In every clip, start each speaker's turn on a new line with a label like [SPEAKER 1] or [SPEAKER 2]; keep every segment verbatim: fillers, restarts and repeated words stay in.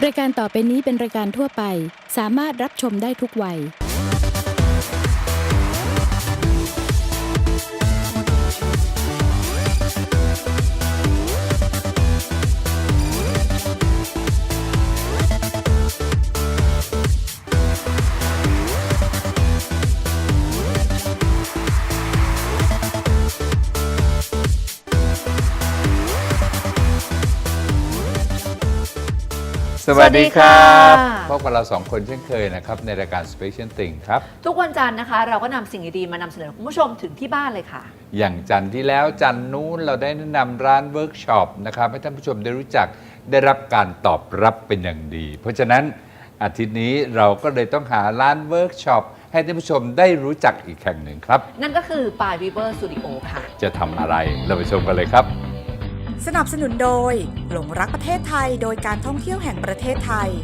[SPEAKER 1] รายการต่อไปนี้เป็นรายการทั่วไปสามารถรับชมได้ทุกวัย
[SPEAKER 2] สวัสดีครับพบกับเราสองคนเช่นเคยนะครับในรายการ Special Thing ครับ
[SPEAKER 3] ทุกวันจันทร์นะคะเราก็นำสิ่งดีๆมานำเสนอคุณผู้ชมถึงที่บ้านเลยค่ะ
[SPEAKER 2] อย่างจันทร์ที่แล้วจันทร์นู้นเราได้แนะนำร้านเวิร์กช็อปนะครับให้ท่านผู้ชมได้รู้จักได้รับการตอบรับเป็นอย่างดี เพราะฉะนั้นอาทิตย์นี้เราก็เลยต้องหาร้านเวิร์กช็อปให้ท่านผู้ชมได้รู้จักอีกแห่งหนึ่งครับ
[SPEAKER 3] นั่นก็คือปายวีเวอร์สตูดิโอค่ะ
[SPEAKER 2] จะทำอะไรเราไปชมกันเลยครับ
[SPEAKER 4] สนับสนุนโดยหลงรักประเทศไทยโดยการท่องเที่ยวแห่งประเทศไทย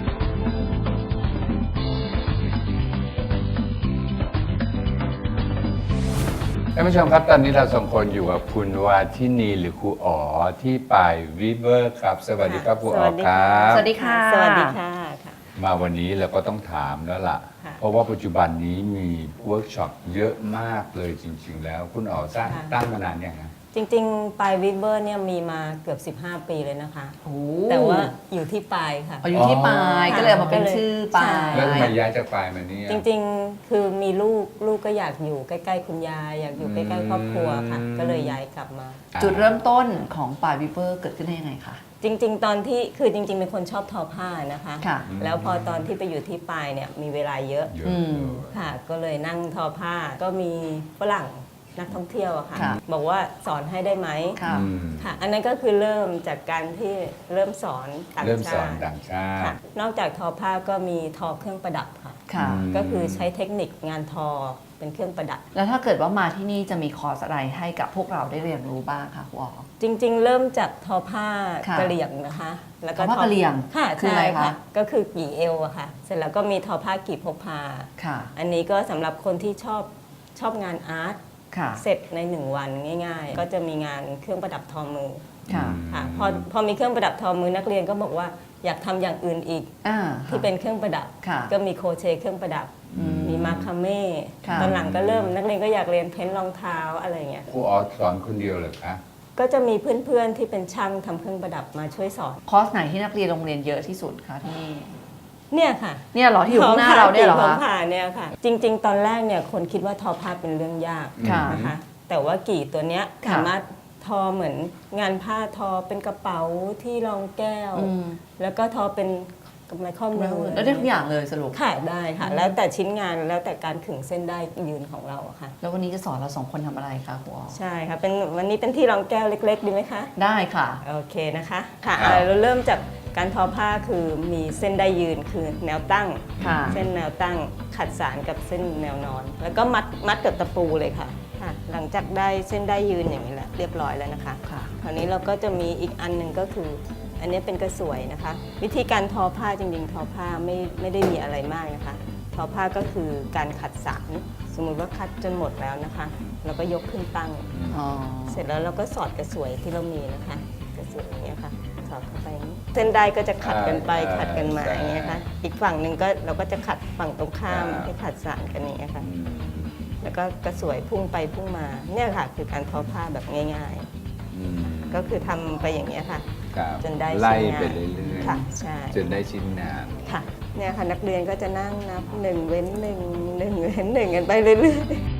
[SPEAKER 2] ท่านผู้ชมครับตอนนี้เราสองคนอยู่กับคุณวาทินีหรือครูอ๋อที่ปายวีเวอร์ครับสวัสดีครับครูอ๋อครับ
[SPEAKER 3] สวัสดีค่ะ
[SPEAKER 5] สวัสดีค่ะ
[SPEAKER 2] มาวันนี้เราก็ต้องถามแล้วล่ะเพราะว่าปัจจุบันนี้มีเวิร์กช็อปเยอะมากเลยจริงๆแล้วคุณอ๋อสร้างตั้งมานานยังไง
[SPEAKER 5] จริงๆปลายวิเวอร์เนี่ยมีมาเกือบสิบห้าปีเลยนะคะแต่ว่าอยู่ที่ปลายค่ะ
[SPEAKER 3] อยู่ที่ปลายก็เลยมาเป็นชื่อปลาย
[SPEAKER 2] แล้วทำไมย้ายจากปลายมานี่
[SPEAKER 5] จริงๆคือมีลูกลูกก็อยากอยู่ใกล้ๆคุณยายอยากอยู่ใกล้ๆครอบครัวค่ะก็เลยย้ายกลับมา
[SPEAKER 3] จุดเริ่มต้นของปลายวีเวอร์เกิดขึ้นได้ยังไงคะ
[SPEAKER 5] จริงๆตอนที่คือจริงๆเป็นคนชอบทอผ้านะคะแล้วพอตอนที่ไปอยู่ที่ปลายเนี่ยมีเวลาเยอะค่ะก็เลยนั่งทอผ้าก็มีฝรั่งนักท่องเที่ยวอะค่ะบอกว่าสอนให้ได้ไหมค่ะอันนั้นก็คือเริ่มจากการที่เริ่มสอนต่างชาติ
[SPEAKER 2] เริ่มสอนต่างชาติ
[SPEAKER 5] นอกจากทอผ้าก็มีทอเครื่องประดับค่ะก็คือใช้เทคนิคงานทอเป็นเครื่องประดับ
[SPEAKER 3] แล้วถ้าเกิดว่ามาที่นี่จะมีคอร์สอะไรให้กับพวกเราได้เรียนรู้บ้างคะครูอ๋อ
[SPEAKER 5] จริงๆเริ่มจากทอผ้ากะเหรี่ยงนะคะ
[SPEAKER 3] แล้วก็ทอผ้ากะเหรี่ยง
[SPEAKER 5] ค่ะคืออะไรคะก็คือกี่เอวอะค่ะเสร็จแล้วก็มีทอผ้ากี่พกพาอันนี้ก็สำหรับคนที่ชอบชอบงานอาร์ตเสร็จในหนึ่งวันง่ายๆก็จะมีงานเครื่องประดับทอมือค่ะพอพอมีเครื่องประดับทอมือนักเรียนก็บอกว่าอยากทำอย่างอื่นอีกที่เป็นเครื่องประดับก็มีโครเชต์เครื่องประดับมีมาคาเม่ตอนหลังก็เริ่มนักเรียนก็อยากเรียนเพ้นท์รองเท้าอะไรเงี้ย
[SPEAKER 2] ครูอ๋อสอนคนเดียวเลยคะ
[SPEAKER 5] ก็จะมีเพื่อนๆที่เป็นช่างทำเครื่องประดับมาช่วยสอน
[SPEAKER 3] คอร์สไหนที่นักเรียนโรงเรียนเยอะที่สุดคะที่นี่
[SPEAKER 5] เนี่ยค่ะ
[SPEAKER 3] เนี่ยหรอที่อยู่ข้างหน้าเราเนี่ยหรอ
[SPEAKER 5] คะผ่าเนี่ยค่ะจริงๆตอนแรกเนี่ยคนคิดว่าทอผ้าเป็นเรื่องยากนะคะแต่ว่ากี่ตัวเนี้ยสามารถทอเหมือนงานผ้าทอเป็นกระเป๋าที่รองแก้วแล้วก็ทอเป็นกำไรข้อมือ
[SPEAKER 3] แล้วได้ทุกอย่างเลยสรุป
[SPEAKER 5] ค่ะได้ค่ะแล้วแต่ชิ้นงานแล้วแต่การขึงเส้นได้ยืนของเราค่ะ
[SPEAKER 3] แล้ววันนี้จะสอนเราสองคนทำอะไรคะครูอ๋อ
[SPEAKER 5] ใช่ค่ะเป็นวันนี้เป็นที่รองแก้วเล็กๆดีไหมคะ
[SPEAKER 3] ได้ค่ะ
[SPEAKER 5] โอเคนะคะค่ะเราเริ่มจากการทอผ้าคือมีเส้นได้ยืนคือแนวตั้งเส้นแนวตั้งขัดสานกับเส้นแนวนอนแล้วก็มัดมัดกับตะปูเลยค่ะหลังจากได้เส้นได้ยืนอย่างนี้แล้วเรียบร้อยแล้วนะคะคราวนี้เราก็จะมีอีกอันหนึ่งก็คืออันนี้เป็นกระสวยนะคะวิธีการทอผ้าจริงๆทอผ้าไม่ไม่ได้มีอะไรมากนะคะทอผ้าก็คือการขัดสานสมมุติว่าคัดจนหมดแล้วนะคะเราก็ยกขึ้นตั้งเสร็จแล้วเราก็สอดกระสวยที่เรามีนะคะกระสวยอย่างเงี้ยค่ะสอดเข้าไปเส้นได้ก็จะขัดกันไปขัดกันมาอย่างเงี้ยค่ะอีกฝั่งหนึ่งก็เราก็จะขัดฝั่งตรงข้ามให้ขัดสานกันอย่างเงี้ยค่ะแล้วก็กระสวยพุ่งไปพุ่งมาเนี่ยค่ะคือการทอผ้าแบบง่ายๆก็คือทำไปอย่างเงี้ยค่ะจนได้
[SPEAKER 2] ไล่ไปเรื่อยๆ
[SPEAKER 5] ค่ะใช่
[SPEAKER 2] จนได้ชิ้นงาน
[SPEAKER 5] ค่ะเนี่ยค่ะนักเรียนก็จะนั่งนับหนึ่งเว้นหนึ่งหนึ่งเว้นหนึ่งกันไปเรื่อยๆ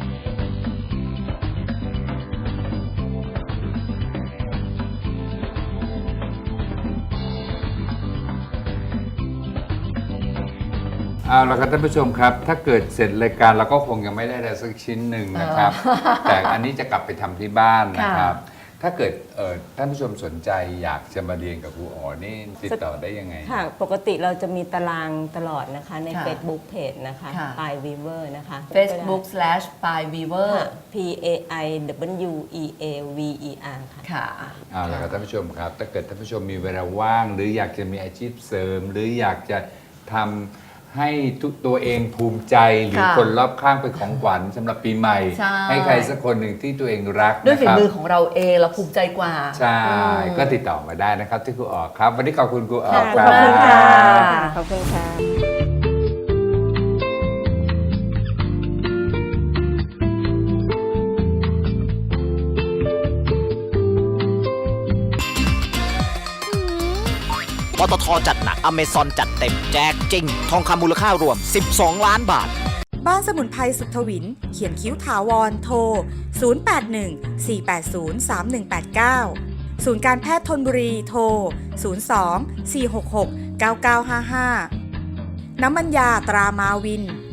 [SPEAKER 2] เอาละครับท่านผู้ชมครับถ้าเกิดเสร็จรายการเราก็คงยังไม่ได้อะไรสักชิ้นหนึ่งนะครับแต่อันนี้จะกลับไปทำที่บ้านนะครับถ้าเกิดท่านผู้ชมสนใจอยากจะมาเรียนกับครูอ๋อนี่ติดต่อได้ยังไง
[SPEAKER 5] ค่ะปกติเราจะมีตารางตลอดนะคะใน Facebook Page นะคะปายวีเวอร์นะคะ
[SPEAKER 3] Facebook slash ปายวีเวอร์
[SPEAKER 5] P A I W E A V E R ค่ะ
[SPEAKER 3] ค่ะ
[SPEAKER 2] เอาละครับท่านผู้ชมครับถ้าเกิดท่านผู้ชมมีเวลาว่างหรืออยากจะมีอาชีพเสริมหรืออยากจะทำให้ทุกตัวเองภูมิใจหรือ
[SPEAKER 3] ค่ะ
[SPEAKER 2] คนรอบข้างเป็นของขวัญสำหรับปีใหม่
[SPEAKER 3] ใช่
[SPEAKER 2] ให้ใครสักคนหนึ่งที่ตัวเองรัก
[SPEAKER 3] ด้วยฝี
[SPEAKER 2] นะครับ
[SPEAKER 3] มือของเราเองเราภูมิใจกว่า
[SPEAKER 2] ใช่
[SPEAKER 3] อืม
[SPEAKER 2] ก็ติดต่อมาได้นะครับที่ครูออกครับ วันนี้ขอบคุณครูออ
[SPEAKER 5] ค่ะ
[SPEAKER 2] ก
[SPEAKER 5] ข
[SPEAKER 2] ค
[SPEAKER 5] อบ
[SPEAKER 2] รับ
[SPEAKER 5] คุณค่ะ
[SPEAKER 3] ค่ะ
[SPEAKER 5] ขอบคุณค่ะ
[SPEAKER 6] ปตทจัดหนักอเมซอนจัดเต็มแจกจริง ทองคำมูลค่ารวม สิบสอง ล้านบาท
[SPEAKER 4] บ้านสมุนไพรสุขทวิน เขียนคิ้วถาวรโทร ศูนย์ แปด หนึ่ง สี่ แปด ศูนย์ สาม หนึ่ง แปด เก้า ศูนย์การแพทย์ธนบุรีโทร ศูนย์ สอง สี่ หก หก เก้า เก้า ห้า ห้า น้ำมันยาตรามาวิน